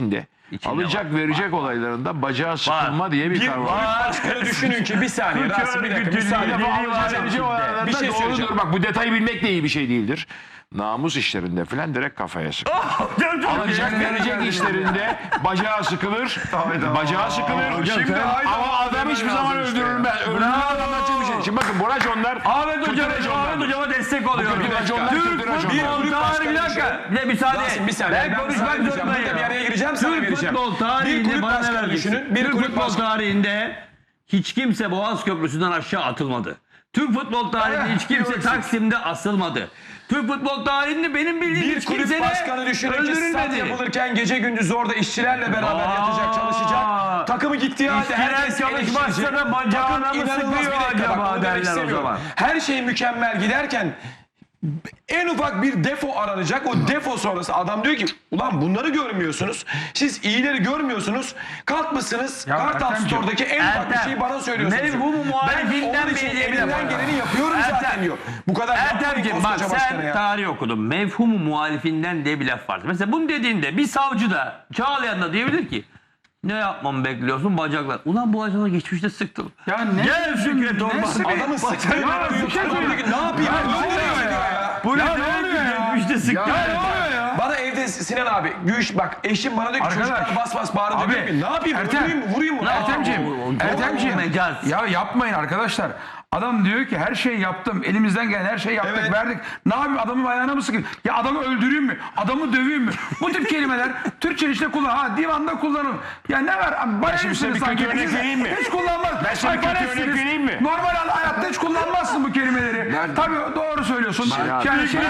C: İçinde
B: alacak
C: var.
B: verecek olaylarında bacağı sıkılma diye bir
A: Bir
B: kavram var.
A: kulüp başkanı düşünün ki bir saniye
C: Türk
A: Rasim bir dakika
C: örgütü
A: müsaade.
C: lideri
A: Alacak
C: var
A: verecek
C: içinde.
B: olaylarında
A: Bir şey
B: doğrudur.
A: söyleyeceğim.
B: Bak bu detayı bilmek de iyi bir şey değildir. Namus işlerinde falan direkt kafaya sıkılır. Alacak verecek işlerinde bacağı sıkılır. Bacağı sıkılır.
F: Şimdi
B: Ama adam hiçbir zaman öldürülmez. Öldürülmez anlatacak bir şey. Şimdi bakın bu raconlar
C: Ahmet Hocam,
B: kötü raconlar.
C: Ahmet Hocam'a destek oluyorum.
B: kötü raconlar,
C: Türk
B: kötü raconlar.
C: futbol
A: Bir
C: tarihi bir
A: kulüp
C: dakika. Bir de müsaade.
A: Rasim bir saniye.
C: Ben
A: Ben
C: konuşmak
A: müsaade edeceğim.
C: zorundayım.
A: Burada bir araya gireceğim, sana
C: Türk
A: vereceğim.
C: futbol
A: Bir
C: tarihinde
A: kulüp
C: bana ne
A: başkanı
C: vereceksin?
A: düşünün, bir
C: Türk
A: kulüp
C: futbol
A: başkanı-
C: tarihinde hiç kimse Boğaz Köprüsü'nden aşağı atılmadı. Türk futbol tarihinde hiç kimse Taksim'de asılmadı. Türk futbol tarihinde benim bildiğim
A: Bir
C: hiç
A: kulüp
C: kimse
A: başkanı
C: de
A: düşünün ki stat
C: öldürülmedi.
A: yapılırken gece gündüz orada işçilerle beraber
C: Aa.
A: yatacak, çalışacak. Takımı gittiği halde
C: İşçiler
A: herkes
C: çalışmazsa
A: eleştirecek.
C: da bacağına
A: Takım
C: mı
A: inanılmaz
C: sıkıyor
A: bir dakika,
C: acaba
A: bak, onu demek
C: derler o
A: istemiyorum.
C: zaman.
A: Her şey mükemmel giderken en ufak bir defo aranacak. O defo sonrası adam diyor ki ulan bunları görmüyorsunuz. Siz iyileri görmüyorsunuz. Kalkmışsınız
F: Ya
A: Kartal
F: Ertemciğim,
A: Store'daki en ufak bir
C: Ertem,
A: şeyi bana söylüyorsunuz.
C: mevhumu
A: Ben
C: muhalifinden
A: onun için
C: biri
A: elimden
C: yapar.
A: geleni yapıyorum zaten
C: Ertem,
A: diyor. Bu kadar yapmayın
C: Ertemciğim bak
A: koskoca başkanı
C: sen
A: ya.
C: tarih okudun. Mevhumu muhalifinden diye bir laf vardır. Mesela bunu dediğinde bir savcı da Çağlayan da diyebilir ki ne yapmamı bekliyorsun bacaklar. Ulan bu acaba geçmişte sıktım.
F: Ya ne
C: Gel Fikret Orman.
A: Adamın sıktığını
F: Ya bir şey söyleyeyim.
A: ne yapayım? Öldürüyor ya.
C: Bu ne
F: Ya ne oluyor ya?
C: Geçmişte sıktım.
F: Ya ne oluyor ya?
A: Bana evde Sinan abi Gülş bak eşim bana diyor ki
F: Arkadaş,
A: çocuklar bas bas bağırdı
F: abi,
A: diyor ki ne yapayım
F: Ertem,
A: öldüreyim mi vurayım mı?
F: Ertemciğim, Ertemciğim.
C: mecaz.
F: Ya yapmayın arkadaşlar. Adam diyor ki her şeyi yaptım. Elimizden gelen her şeyi yaptık,
A: Evet.
F: verdik. Ne yapayım adamın ayağına mı sıkayım? Ya adamı öldüreyim mi? Adamı döveyim mi? Bu tip kelimeler Türkçe işte kullan. Ha divanda kullanın. Ya ne var? Abi, bana
B: şimdi size bir
F: sanki.
B: kötü örnek
F: Siz
B: vereyim mi?
F: Hiç kullanmaz.
B: Ben size bir
F: Ay,
B: kötü
F: parasınız.
B: örnek vereyim mi?
F: Normal hayatta hiç kullanmazsın bu kelimeleri. Tabii doğru söylüyorsun.
B: Sinan,
F: Yani şey,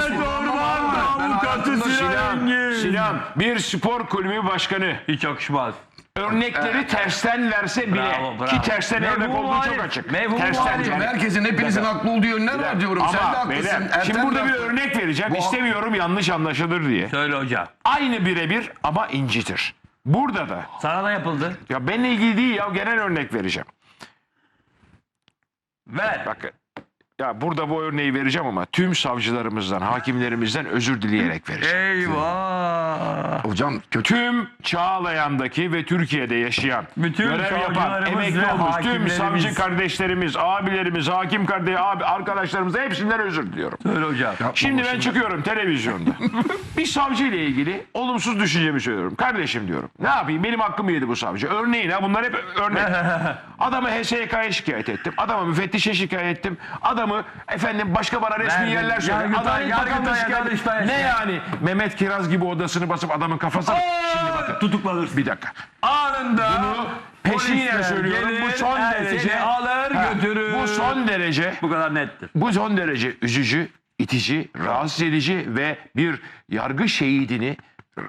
B: Sinan, Sinan bir spor kulübü başkanı
C: Hiç yakışmaz.
B: örnekleri tersten verse bile
C: Bravo, bravo.
B: ki tersten
C: Mevhumu
B: örnek olduğu
C: muhalif.
B: çok açık.
C: Mevhumu
B: Tersten
C: muhalif.
B: yani.
D: Herkesin hepinizin haklı olduğu yönler var diyorum. Sen de
B: Ama
D: haklısın.
B: beyler
D: Ertem
B: şimdi
D: de
B: burada bir
D: haklı.
B: örnek vereceğim. İstemiyorum yanlış anlaşılır diye.
C: Söyle hocam.
B: Aynı birebir ama incitir. Burada da
C: Sana da yapıldı.
B: ya benimle ilgili değil ya genel örnek vereceğim.
C: Ver.
B: Bakın ya burada bu örneği vereceğim ama tüm savcılarımızdan, hakimlerimizden özür dileyerek vereceğim.
C: Eyvah.
D: Hocam kötü.
B: Tüm Çağlayan'daki ve Türkiye'de yaşayan,
C: Bütün
B: görev yapan,
C: savcılarımız
B: emekli
C: ve
B: olmuş tüm
C: hakimlerimiz.
B: savcı kardeşlerimiz, abilerimiz, hakim kardeş, abi, arkadaşlarımız hepsinden özür diliyorum.
C: Söyle hocam.
B: Şimdi ben çıkıyorum televizyonda. Bir savcı ile ilgili olumsuz düşüncemi söylüyorum. Kardeşim diyorum. Ne yapayım? Benim hakkımı yedi bu savcı. Örneğin ha bunlar hep örnek. Adamı H S K'ya şikayet ettim. Adamı müfettişe şikayet ettim. Adamı efendim başka bana resmi
C: Verdim.
B: yerler söyledi.
C: Yargıtay,
B: Adalet
C: Yargıtay,
B: Bakanlığı şikayet
C: Yargıtay
B: ettim. Ne
C: şikayet.
B: yani? Mehmet Kiraz gibi odasını basıp adamın kafasına... Şimdi bakın.
C: Tutuklanırsın.
B: Bir dakika.
C: Anında
B: Bunu peşinen
C: polisler
B: söylüyorum.
C: gelir,
B: Bu son
C: her
B: derece...
C: seni alır
B: Ha,
C: götürür.
B: Bu son derece...
C: Bu kadar nettir.
B: Bu son derece üzücü, itici, rahatsız edici ve bir yargı şehidini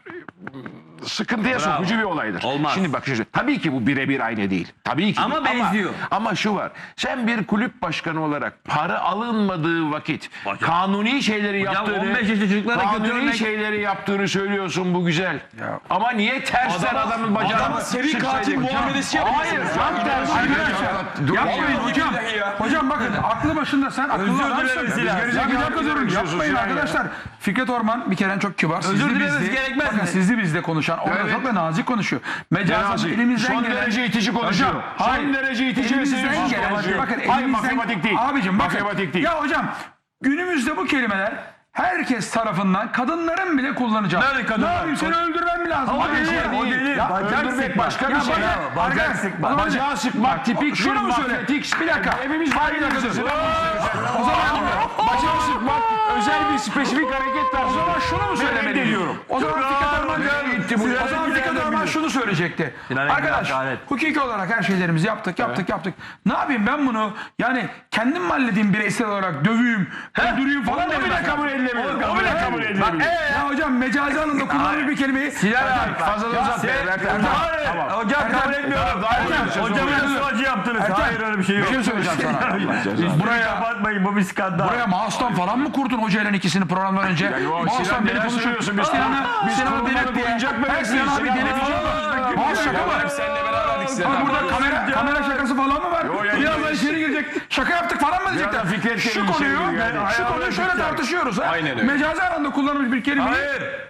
B: sıkıntıya
C: Bravo.
B: sokucu bir olaydır.
C: Olmaz.
B: Şimdi bak şu- tabii ki bu birebir aynı değil. Tabii ki.
C: Ama
B: değil.
C: benziyor.
B: Ama, ama şu var. Sen bir kulüp başkanı olarak para alınmadığı vakit
C: Hocam.
B: kanuni şeyleri
C: Hocam
B: yaptığını,
C: on beş yaşlı çocuklara kötü
B: kanuni
C: örnek-
B: şeyleri yaptığını söylüyorsun, bu güzel. Ama niye tersten
A: Adama-
B: adamın bacağını
A: adama seri
B: sıksaydın?
A: katil muamelesi
B: Hayır,
A: yapıyorsunuz.
B: tam tersi.
F: Arkadaşlar yapmayın hocam. Hocam bakın aklı başında sen akıllı
C: Özür
F: adamsın.
C: dilerim
F: Biz
C: Sinan.
F: gerizekalı
B: Ya bir dakika
F: yapmayın.
B: durun,
F: Yapmayın
B: Sinan ya.
F: arkadaşlar. Fikret Orman bir kere çok kibar.
C: Özür
F: Sizli
C: dilememiz
F: bizli.
C: gerekmez
F: Bakın
C: mi?
F: sizli bizde konuşan. Orada
B: Evet.
F: çok da nazik konuşuyor. Mecazen
B: Nazik.
F: elimizden
B: Son
F: gelen.
B: derece itici konuşuyor.
F: Hocam,
B: Son
F: hayır.
B: derece itici ve
F: Elimizden
B: sevimsiz
F: gelen.
B: konuşuyor.
F: Bakın
B: Hayır,
F: elimizden.
B: matematik değil.
F: Abicim bakın.
B: Matematik değil.
F: Ya hocam günümüzde bu kelimeler herkes tarafından kadınların bile kullanacağı.
C: Nerede kadınlar?
F: Ne yapayım seni öldürmem mi lazım?
C: O
F: Hadi
C: değil,
F: ya.
C: o değil.
F: Ya
C: Bacak
F: öldürmek
C: sıkma.
F: başka bir
C: Ya
F: şey.
C: bacak-
F: Ya,
C: bacak
F: arkadaş,
C: sıkma.
F: o zaman-
B: Bacağı sıkmak tipik
F: Şunu
B: bir
F: mu söyle?
B: mafyatik.
F: Bir dakika.
B: Hepimiz
F: Hayır,
B: aynı
F: bir dakika.
B: dakika.
F: O zaman
B: Bacağı sıkmak özel bir spesifik hareket tarzı.
F: O zaman şunu mu söylemeliyim?
B: Reddediyorum.
F: O zaman Fikret Orman, o zaman Fikret Orman şunu söyleyecekti.
C: Sinan Engin
F: Arkadaş
C: hakaret.
F: hukuki olarak her şeylerimizi yaptık yaptık yaptık. Ne yapayım ben bunu yani kendim mi halledeyim bireysel olarak döveyim, öldüreyim falan
B: Onu bile
F: demem.
B: kabul edilemiyor.
F: Onu
B: O bile kabul edilemiyor.
F: Ya hocam mecazi anlamda kullanılır bir kelimeyi.
C: Sinan abi.
B: Fazla da uzatma. Ertem.
C: Hayır. Hocam kabul etmiyorum. Hocam sıvacı yaptınız. Hayır öyle bir şey yok.
F: Bir şey söyleyeceğim sana.
C: Buraya
F: Buraya
C: kapatmayın bu bir skandal.
F: Buraya mouse'tan falan mı kurdun hocayla ikisini programdan önce?
B: yo,
F: Mouse'tan
B: Sinan
F: beni
B: neler
F: konuşuyor.
B: söylüyorsun? Biz
F: Sinan'a
B: biz
F: Sinan'a
B: kurulmadık
F: delirt diye.
B: oyuncak
F: Her
B: bebek
F: Sinan
B: miyiz?
F: abi
B: Sinan
F: delirt.
B: abi.
F: Mouse şaka mı?
A: Hep seninle beraberdik Sinan
F: Ha,
A: abi.
F: burada kamera, kamera şakası falan mı var?
B: ya,
F: Birazdan içeri girecek. Şaka yaptık falan mı diyecekler?
B: Birazdan Fikret
F: Şu
B: içeri
F: konuyu,
B: giriyor yani.
F: şu konuyu şöyle tartışıyoruz. Ha?
A: Aynen öyle.
F: Mecazi anlamda kullanılmış bir kelimeyi.
C: Hayır.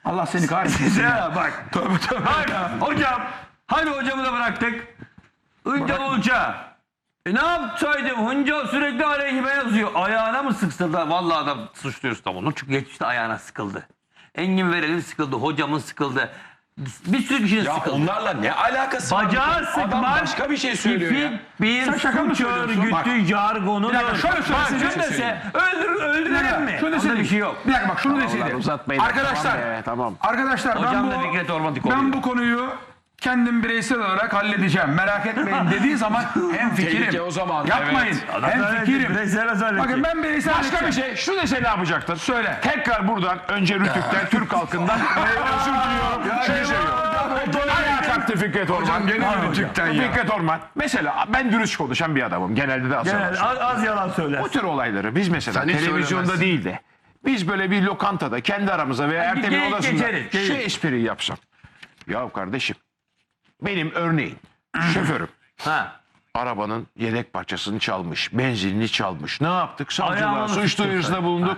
F: Allah seni kahretsin.
C: Ya bak.
F: Tövbe tövbe.
C: Hadi hocam. Hadi hocamı da bıraktık. Hıncal Uluç'a. E ne yapsaydım? Hıncal sürekli aleyhime yazıyor. Ayağına mı sıkıldı? Vallahi adam suçluyoruz tam onu. Çünkü geçmişte ayağına sıkıldı. Engin Verel'in sıkıldı. Hocamın sıkıldı. Bir sürü kişinin
A: Ya
C: sıkıldı.
A: onlarla ne alakası var?
C: Bacağı
A: Adam
C: sıkmak
A: başka bir şey söylüyor ya.
C: tipik bir
F: Sen şaka mı
C: suç
F: söylüyorsun? Bak.
C: örgütü jargonudur.
F: Bir dakika, şöyle söylesene.
C: Bak, şunu dese öldür, öldürelim mi?
F: Şunu
C: Onda
F: deseydim.
C: bir şey yok.
F: Bir dakika bak şunu deseydim.
B: uzatmayın.
F: Arkadaşlar.
B: Tamam be, tamam.
F: Arkadaşlar ben
C: Hocam
F: bu,
C: da Fikret Orman'ı
F: ben
C: koruyor.
F: bu konuyu kendim bireysel olarak halledeceğim. Merak etmeyin dediği zaman hem
A: Tehlike
F: fikirim.
A: o zaman,
F: Yapmayın.
A: evet.
F: Hem fikirim.
C: Bireysel
F: Bakın ben bireysel
B: Başka bir
F: halledeceğim.
B: şey. Şu dese ne yapacaktır?
F: Söyle.
B: Tekrar buradan önce Rütük'ten, Türk halkından e, özür diliyorum. Şey seviyorum. Ayağa kalktı Fikret Orman.
D: Hocam gene mi Rütük'ten ya?
B: Fikret Orman. Mesela ben dürüst konuşan bir adamım. Genelde de az yalan
C: Yani
B: söylüyorum.
C: az, az yalan söyler.
B: Bu tür olayları biz mesela
D: Sen hiç
B: televizyonda
D: söylemezsin.
B: değil de biz böyle bir lokantada kendi aramıza veya
C: bir
B: Ertem'in
C: geyik
B: odasında
C: geçeriz, geyik.
B: şu espriyi yapsam. Ya kardeşim benim örneğin şoförüm
C: Ha.
B: arabanın yedek parçasını çalmış, benzinini çalmış. Ne yaptık? Savcılığa
C: Ayağını
B: suç
C: sıktın
B: duyurusunda
C: sen.
B: bulunduk.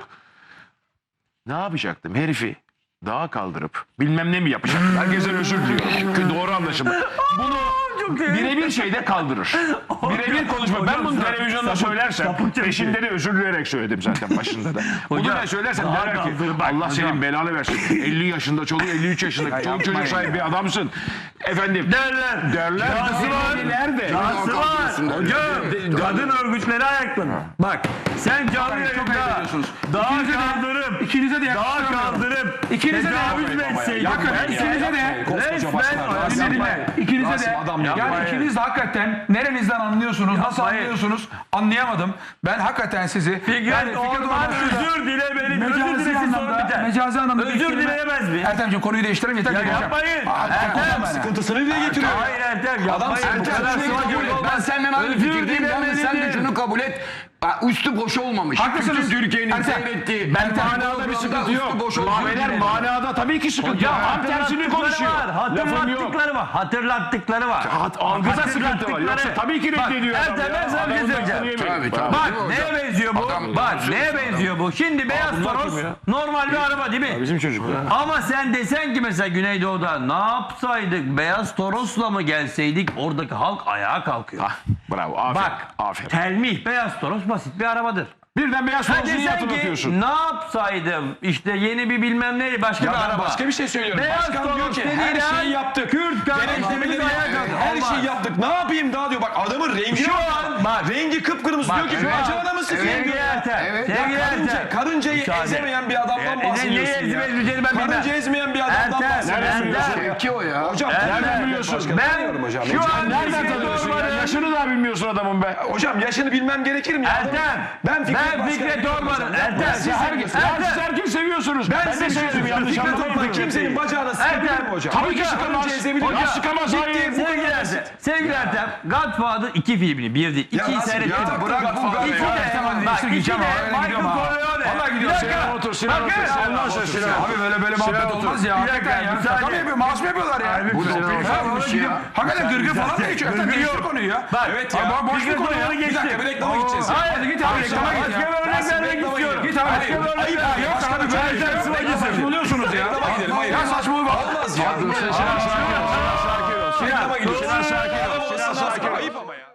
B: Ne yapacaktım? Herifi dağa kaldırıp bilmem ne mi yapacaktım? Herkesten özür diliyorum. Doğru anlaşıldı. Bunu birebir şeyde kaldırır. Birebir konuşma. Ben bunu televizyonda söylersem peşinde de özür dileyerek söyledim zaten başında da. Bunu
C: Hocam,
B: da söylersem
C: dağa
B: derler ki
C: kaldırır, bak,
B: Allah senin
C: hocam.
B: belanı versin. elli yaşında çoluk, elli üç yaşında çoluk çocuk sahibi bir adamsın. Efendim.
C: Derler.
B: Derler.
C: Dahası var.
B: Nerede?
C: Dahası var. Hocam kadın örgütleri ayaklanır. Bak sen canlı
F: Çok
C: yayında
F: ayıp ediyorsunuz.
C: dağa
F: İkinize de-
C: kaldırıp
F: İkinize de
C: dağa
F: yakıştıramıyorum.
C: kaldırıp
F: İkinize de
C: tecavüz mü etseydin?
F: Yakın,
C: Ben
F: ikinize de
A: Koskoca başkan,
C: resmen
A: Rasim
F: Dinle,
A: Bey.
F: dinle. İkinize
A: Rasim
F: de
A: adam ya.
F: yani
C: Yapmayın.
F: ikiniz de hakikaten nerenizden anlıyorsunuz, nasıl
C: Yapmayın.
F: anlıyorsunuz anlayamadım. Ben hakikaten sizi
C: Fikret
F: yani
C: Orman
F: Orman'la
C: özür dile beni. Özür
F: mecazi
C: dilesin sonra
F: anlamda,
C: biter.
F: mecazi anlamda bir
C: Özür
F: kelime-
C: dileyemez mi?
F: Ertemciğim konuyu değiştirelim yeter.
C: Ya
F: geleceğim.
C: yapmayın.
F: Aa,
C: Ertem,
F: adam
A: Sıkıntısını dile getiriyor.
C: Hayır Ertem yapmayın.
A: Adam
C: Bu kadar
A: sıkıntısını
C: sıvacı
A: kabul et.
C: olmaz.
D: Ben senden aynı
C: Özür
D: fikirdeyim. Yalnız sen de
C: dilemelidir.
D: şunu kabul et. Ha, Üstü boş olmamış.
F: Haklısınız.
D: Bütün Türkiye'nin
F: Ertem,
D: seyrettiği.
B: Ben
D: Ertem
B: manada bir
D: programda
B: sıkıntı yok.
D: üstü boş
B: Maveler
D: olsun.
B: manada tabii ki sıkıntı
C: Hocam
B: yok. Tam tersini
C: hatırlattıkları
B: konuşuyor.
C: var.
B: Lafım yok.
C: Hatırlattıkları var. Hatırlattıkları var.
B: Hat- algıda sıkıntı var. Yoksa tabii ki reddediyor
C: Bak,
B: adam
C: Ertem
B: ya.
C: ben sana bir şey
B: Adamın
C: söyleyeceğim.
B: lafını yemeyin.
D: Tabii, tabii.
C: Bak
D: Değil mi
C: neye
D: hocam?
C: benziyor bu?
D: Adam-
C: Bak
D: adam-
C: neye benziyor bu? Şimdi beyaz toros normal bir araba değil mi?
B: Bizim çocuk.
C: Ama sen desen ki mesela Güneydoğu'da ne yapsaydık? Beyaz Toros'la mı gelseydik? Oradaki halk ayağa kalkıyor.
B: Ah, bravo. Aferin.
C: Bak
B: Aferin.
C: telmih beyaz Toros basit bir arabadır.
B: Birden beyaz
C: Ha
B: torosunu
C: desen
B: hatırlatıyorsun.
C: ki ne yapsaydım? İşte yeni bir bilmem ne başka
A: Ya
C: bir
A: ben
C: araba.
A: başka bir şey söylüyorum.
C: Beyaz
A: Başkan diyor
C: Toros
A: ki
C: dediğin
A: her
C: an
A: şeyi yaptık.
C: Kürt
A: Denetlemeleri
C: kardeşlerimiz ayağa
A: yaptık.
C: kalkıyor.
A: Her
C: Olmaz.
A: şeyi yaptık. Ne yapayım daha diyor. Bak adamın rengi
C: Şu an bak
A: rengi kıpkırmızı
C: Bak,
A: diyor ki
C: evet.
A: bacağına mı sıkıyor?
C: Sevgili Ertem.
D: Evet.
A: Ya
C: Sevgili
A: karınca,
C: Ertem.
A: karıncayı
C: Müsaade.
A: ezemeyen bir adamdan
C: E, e,
A: bahsediyorsun
C: neyi
A: ya.
C: ezip ezmeyeceğini ben bilmem.
A: Karınca ezmeyen bir adamdan
C: Ertem,
A: bahsediyorsun.
C: Ertem.
D: Şevki o ya.
A: Hocam
C: Ertem.
A: nereden biliyorsun?
C: Ben
A: hocam.
C: şu an
B: Nereden
C: Fikret
B: tanıyorsun ya?
C: Orman'ın-
B: Yaşını da bilmiyorsun adamın be.
A: Hocam yaşını bilmem gerekir mi? ya?
C: Ertem.
A: Ben Fikret,
C: Ben Fikret
A: Başkan'ı
C: Orman'ın.
A: biliyorum hocam.
C: Ertem.
A: Siz
B: Herkes,
C: Ertem.
B: siz herkes seviyorsunuz.
A: Ben,
B: de
A: size
B: seviyorum.
A: söyleyeyim.
B: Yanlış
A: Fikret
B: anlamayın.
A: Orman kimsenin bacağına sıkabilir mi hocam?
B: Tabii ki
A: Hocam,
B: sıkamaz.
A: karınca ezebilir mi?
B: Hocam sıkamaz.
A: Bitti,
B: Hayır.
A: bu
C: Sevgili
A: kadar
C: Ertem,
A: basit.
C: sevgili Ertem, Godfather iki filmini, bir değil,
A: Ya
C: ikiyi
A: Rasim,
C: seyrettim.
A: ya
D: bırak bu
C: İki
D: Godfather'ı
C: de,
D: ya.
C: bak,
F: Değiştir
C: iki
F: gideceğim
C: de
F: abi, öyle
C: Michael
F: gidiyorum ha.
C: Corleone.
F: Vallahi
C: Bir
F: gidiyorsun.
C: dakika.
B: Sinan otur, Sinan
C: Bakın.
B: otur. Allah aşkına Sinan.
F: Abi böyle böyle muhabbet
B: otur.
F: olmaz ya.
C: Bir dakika,
F: Hakikaten ya.
C: müsaade.
F: Şaka mı yapıyor? Maaş mı yapıyorlar ya?
C: Abi,
D: Bu
C: bir
D: ne
C: dakika.
D: olmuş
F: Ha,
D: ya?
F: orada gidiyor. Hakikaten gırgır falan mı geçiyor?
C: Gırgır
F: Değiştir
C: yok.
F: konuyu ya.
C: Bak,
A: Evet
F: Abi
A: ya.
F: boş bir
C: Fikret
F: konu ya.
C: Orman'ı
F: Bir dakika
C: geçtim.
F: bir reklama gideceğiz.
C: Hayır,
F: Hadi git abi reklama git
C: başka
F: ya.
C: bir örnek
A: Rasim,
C: vermek
A: reklama
C: istiyorum.
F: Git abi.
C: Başka bir örnek
A: Ayıp
C: vermek
A: ya.
F: Yok
A: Başka
F: abi
A: bir
F: böyle
A: şey
F: şey
A: yok.
F: yok. Saçmalıyorsunuz ya.
A: Reklama gidelim. Hayır.
F: Ya saçmalık
A: Olmaz ya.
B: Sinan sakin ol. Sinan sakin ol.
A: Reklama gidiyoruz.
B: Sinan sakin ol. Sinan sakin ol.
A: Ayıp ama ya.